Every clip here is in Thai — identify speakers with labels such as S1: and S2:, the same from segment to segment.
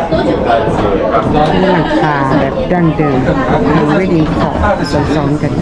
S1: หลังคาแบบดั้งเดิมไม่ดินขอบซ้อนๆกัน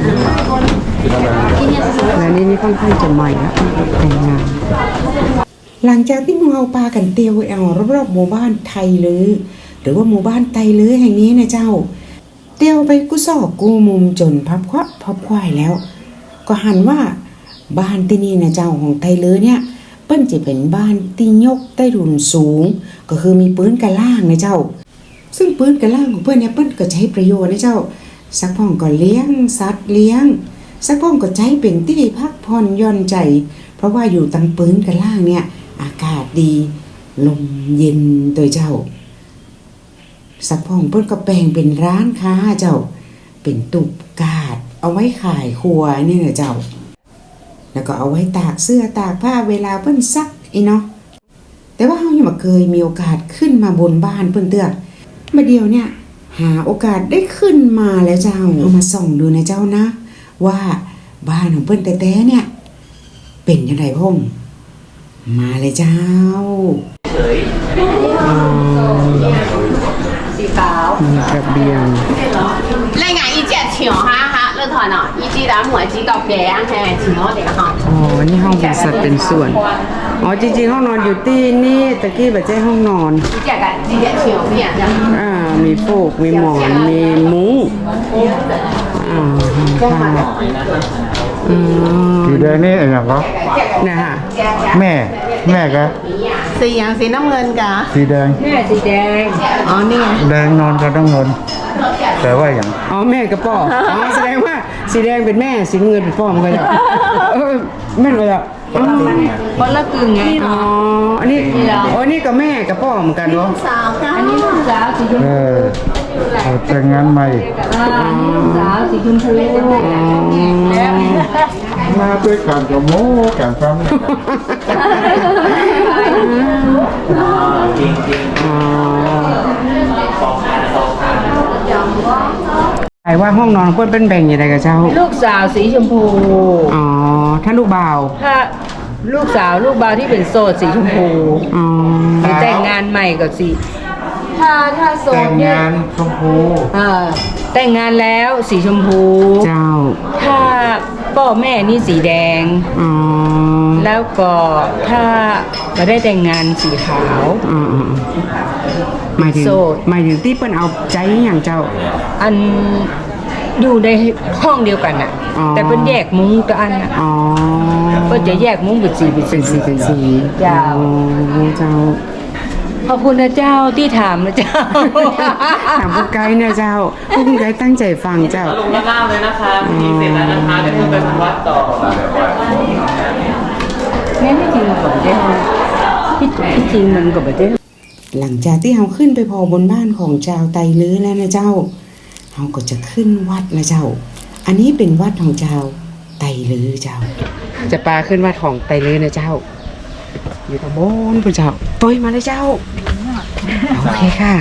S1: และนี่ค่อนข้างจะใหม่แล้วแต่งงานหลังจากที่เราพากันเตียวเอารอบๆหมู่บ้านไทยลือหรือว่าหมู่บ้านไทยลือแห่งนี้นะเจ้าเตียวไปกูซอกกูมุมจนพับควายแล้วก็หันว่าบ้านที่นี่นะเจ้าของไทยลือเนี่ยเปิ้นจะเป็นบ้านที่ยกใต้ถุนสูงก็คือมีปืนกระล่างนะเจ้าซึ่งปืนกระล่างของเปิ้นเนี่ยเปิ้นก็ใช้ประโยชน์นะเจ้าสักพ่องก็เลี้ยงสัตว์เลี้ยงสักพ่องก็ใช้เป็นที่พักผ่อนหย่อนใจเพราะว่าอยู่ตั้งปืนกระล่างเนี่ยอากาศดีลมเย็นตัวเจ้าสักพ่องเปิ้นก็แปลงเป็นร้านค้าเจ้าเป็นตุบกาดเอาไว้ขายครัวนี่นะเจ้าแล้วก็เอาไว้ตากเสื้อตากผ้าเวลาเปิ้นซักอีเนาะแต่ว่าเฮายังบ่เคยมีโอกาสขึ้นมาบนบ้านเปิ้นเตื้อมาเดียวเนี่ยหาโอกาสได้ขึ้นมาแล้วเจ้าเอามาส่องดูนะเจ้านะว่าบ้านของเปิ้นแต่ๆเนี่ยเป็นจังไดพ่อมมาเลยเจ้า
S2: สีขาว
S1: ระเบียง
S2: 呢眼依隻牆哈哈，呢台呢，依隻打門指角嘅，係前我哋哈。
S1: อ๋อนี่ห้องเป็นสัดเป็นส่วนอ๋อจริงๆห้องนอนอยู่ที่นี่ตะกี้แบบใช่ห้องนอน
S2: 依隻牆邊啊？
S1: มีฟูกมีหมอนมีมุ้งค่ะ
S3: สีแดงนี่อะไรก็
S1: นะฮะ
S3: แม่กะ
S2: สีอย่างสีน้ำเงินกะ
S3: สีแดง
S2: แม่สีแดงอ๋อนี่ไง
S3: แดงนอนก็ต้องนอนแต่ว่าอย่าง
S1: อ๋อแม่กับพ่ออ๋อแสดงว่าสีแดงเป็นแม่สีเงินเป็นพ่อมันก็จะแม่ก็จะ
S2: คนละกึ่งไง
S1: อ๋ออันนี้นี่กับแม่กับพ่อเหมือนกันเนาะ
S2: สาวอันนี้ลูกสาวสีชมพู
S3: แต่งงานใหม่
S2: ลูกสาวสีชมพู
S3: มาด้วยการจะโม้การฟัง
S1: จริงใครว่าห้องนอนเพื่อนเป็นแบ่งยังไงกับเจ้า
S2: ลูกสาวสีชมพู
S1: อ๋อถ้าลูกบ่าว
S2: ถ้าลูกบ่าวที่เป็นโสดสีชมพู
S1: อ๋อ
S2: แต่งงานใหม่ก็สีถ้าโสด
S3: แต่งงานชมพู
S2: แต่งงานแล้วสีชมพู
S1: เจ้า
S2: ถ้าพ่อแม่นี่สีแดงแล้วก็ถ้าไม่ได้แต่งงานสีขาว
S1: หมายถึงที่เปิ้นเอาใจอย่างเจ้า
S2: อันอยู่ในห้องเดียวกันน่ะแต่เปิ้นแยกมุ้งตัวอันน่ะเปิ้นจะแยกมุ้งเป็นสี
S1: เจ้า
S2: ขอบคุณนะเจ้าที่ถามนะเจ้า
S1: ถามผู้ไกด์เนี่ยเจ้าผู้ไกด์ตั้งใจฟังเจ้า
S4: ลงล่างเลยนะคะมีเสร็จแล้วนะคะเดี๋ยวขึ้นไปวัดต่อ
S2: งั้นที่จริงก่อนเจ้าที่จริงมันก็แบบเจ้า
S1: หลังจากที่เราขึ้นไปพอบนบ้านของชาวไตลื้อแล้วนะเจ้าเราก็จะขึ้นวัดนะเจ้าอันนี้เป็นวัดของชาวไตลื้อเจ้าจะปาขึ้นวัดของไตลื้อนะเจ้าอยู่ตรงบนคุณเจ้าตัวมาเลยเจ้าโอเคค่ะ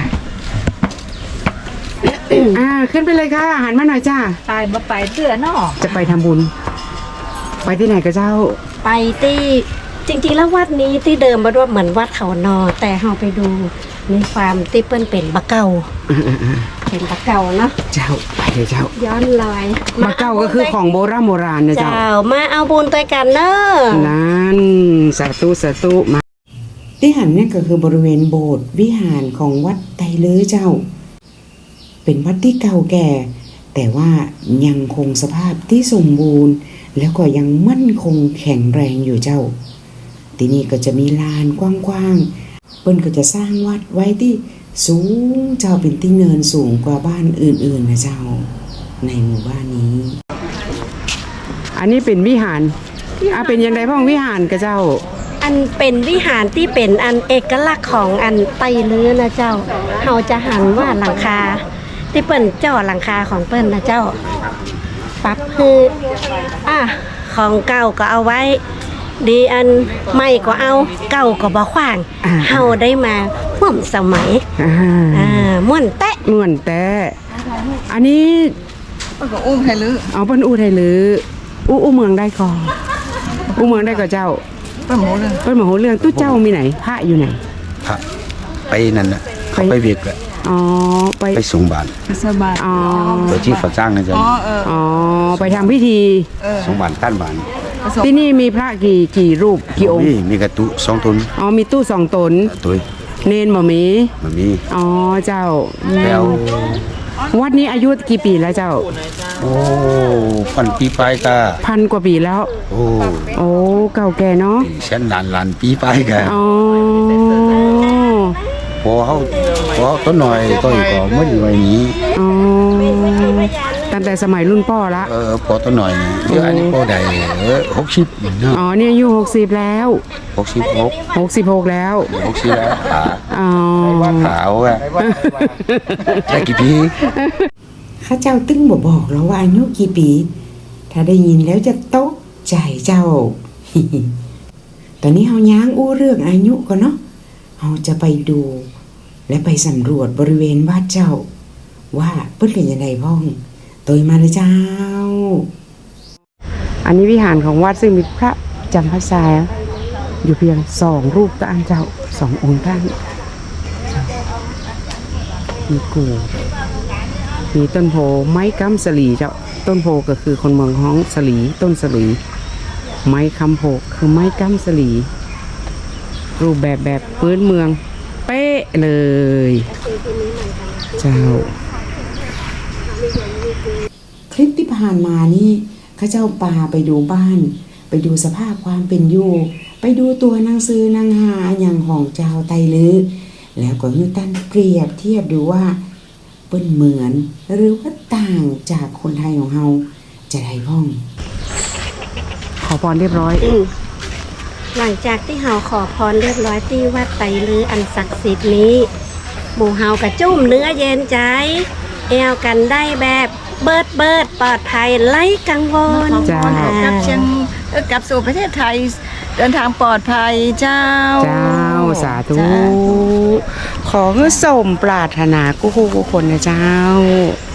S1: ขึ้นไปเลยค่ะหันมาหน่อยจ้า
S2: ไปเสื้อเนาะ
S1: จะไปทำบุญไปที่ไหนกับเจ้า
S5: ไปที่จริงๆแล้ววัดนี้ที่เดิมมาด้วยเหมือนวัดเขานอแต่เราไปดูในฟาร์มที่เปิ้นเป็นบะเก่าเป็นบะเก่าเนาะ
S1: เจ้าไปเลยเจ้า
S5: ย้อนลอย
S1: บะเก่าก็คือของโบราณนะเจ้า
S5: มาเอาบุญด้วยกันเนอะ
S1: นั่นสาธุมาที่หันเนี่ยก็คือบริเวณโบสถ์วิหารของวัดไตลื้อเจ้าเป็นวัดที่เก่าแก่แต่ว่ายังคงสภาพที่สมบูรณ์แล้วก็ยังมั่นคงแข็งแรงอยู่เจ้าที่นี่ก็จะมีลานกว้างๆเปิ้นก็จะสร้างวัดไว้ที่สูงเจ้าเป็นที่เนินสูงกว่าบ้านอื่นๆนะเจ้าในหมู่บ้านนี้อันนี้เป็นวิหารเป็นยังไงพ่องวิหารกับเจ้า
S5: อันเป็นวิหารที่เป็นอันเอกลักษณ์ของอันไตลื้อนะเจ้าเราจะหันว่าหลังคาที่เปิ้นเจ้าหลังคาของเปิ้นนะเจ้าปั๊บคือของเก่าก็เอาไว้ดีอันใหม่ก็เอาเก่าก็บ่ขว้างเฮาได้มาร่วมสมัยม่วนแตะ
S1: อันนี้ก็อุ้มไทยลือเอาเปิ้นอู้ไทยลืออู้เมืองได้ก่อนอู้เมืองได้ก่อนเจ้าเปิ้นหมูเรื่องตู้เจ้ามีไหนพระอยู่ไหน
S3: พระไปนั่นน่ะ
S6: เขาไปเวียกแหละ
S1: อ๋อไป
S6: ไปส่งบาตร
S2: สบาย
S1: อ๋อ
S6: โดยที่ฝาจ้างนะจ๊ะ
S1: อ๋อไปทำพิธี
S6: ส่งบาตรท่านบาตร
S1: ที่นี่มีพระกี่รูปกี่องค์
S6: มีกระตุ2 ตน
S1: อ๋อมีตู้2 ตน
S6: ตัว
S1: เนนบ่มี
S6: มันมี
S1: อ๋อเจ้า
S6: แล้ว
S1: วัดนี้อายุกี่ปีแล้วเจ้า
S6: โอ้พันปีไปก็
S1: 1,000 กว่าปีแล้ว
S6: โอ้
S1: โอ้เก่าแก่เนาะ
S6: แสนล้านปีไปก็
S1: อ๋อ
S6: พอเขาต้นหน่อยก็อีกก็ไม่อยู่ไว้นี้
S1: อ๋อตั้งแต่สมัยรุ่นพ่อละ
S6: พอต้นหน่อยเดี๋ยวอันนี้พอได้60เนาะ
S1: อ๋อเนี่ยอายุ60แล้ว
S6: 66
S1: 66แล้ว
S6: 60แล้วขา
S1: อ๋อ
S6: ขาวอ่ะได้กี่ปี
S1: ข้าเจ้าตึ้งบอกแล้วว่าอายุกี่ปี ถ้าได้ยินแล้วจะตกใจเจ้า ตอนนี้เฮาย้างอู้เรื่องอายุก่อนเนาะเฮาจะไปดู และไปสำรวจบริเวณวัดเจ้า ว่าเปิ้นเป็นยังไงพ้องตัวมาเลยเจ้า อันนี้วิหารของวัดซึ่งมีพระจำพรรษาอยู่เพียง2 รูปต่างเจ้า2 องค์ท่านมีกูมีต้นโพไม้กำสลีเจ้าต้นโพก็คือคนเมืองฮ้องสลีต้นสลีไม้คำโพคือไม้กำสลีรูปแบบพื้นเมืองเป๊ะเลยเจ้าคลิปที่ผ่านมานี่ข้าเจ้าปาไปดูบ้าน ไปดูสภาพความเป็นอยู่ไปดูตัวหนังสือหนังหาอย่างของเจ้าไตลือแล้วก็ให้ท่านเปรียบเทียบดูว่าเปิ้นเหมือนหรือว่าต่างจากคนไทยของเฮาจะได้พ้อง ขอพรเรียบร้อย
S5: หลังจากที่เฮาขอพรเรียบร้อยที่วัดไตรลืออันศักดิ์สิทธิ์นี้หมู่เฮากระจุ่มเนื้อเย็นใจแอวกันได้แบบเบิดปลอดภัยไร้กังวล
S1: จ้า
S2: กับเชียงกลับสู่ประเทศไทยเดินทางปลอดภัยเจ้า
S1: เจ้าสาธุขอให้สมปรารถนากู้คนนะเจ้า